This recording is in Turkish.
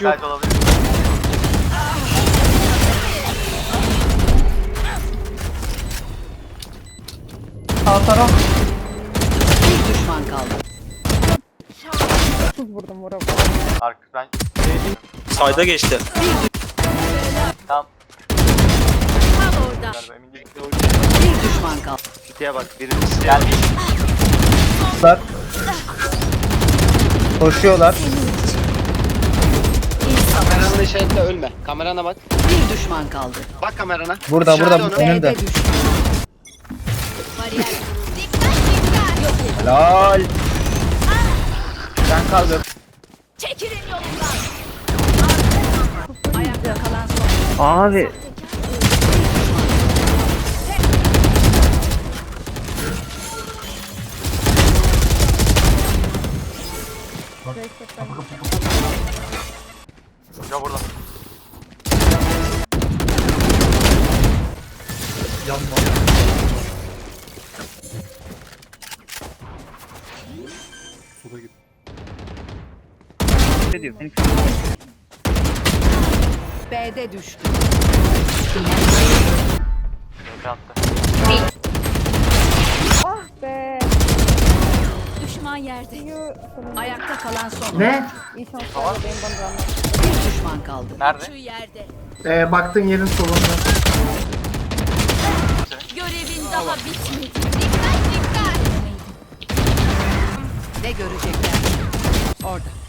yok. Site olabilir. Sağ taraf. Bir düşman kaldı. Vurdum vurdum. Ark ben. Sayda geçti. Tamam. Tam orada. Galiba emin değilim. Bir düşman kaldı. Giteye bak. Birincisi Gel. Koşuyorlar. kameranın işaretle ölme. Kamerana bak. Bir düşman kaldı. Bak kamerana. Burada İşaret burada onu. önünde. B'de düştü. Bariyer. Helal. Sen kaldır. Çekilin yolundan. Ayakta kalan son. Abi. Hoca burada. Ne diyor? B'de düştü. TP attı. Ah be. Düşman yerde. Yuh. Ayakta kalan son. Ne? İyi şanslar benim bana rağmen. Bir düşman kaldı. Nerede? Şu yerde. Baktığın yerin solunda. Görevin daha bitmedi. Dikkat dikkat. Ne görecekler? Orada.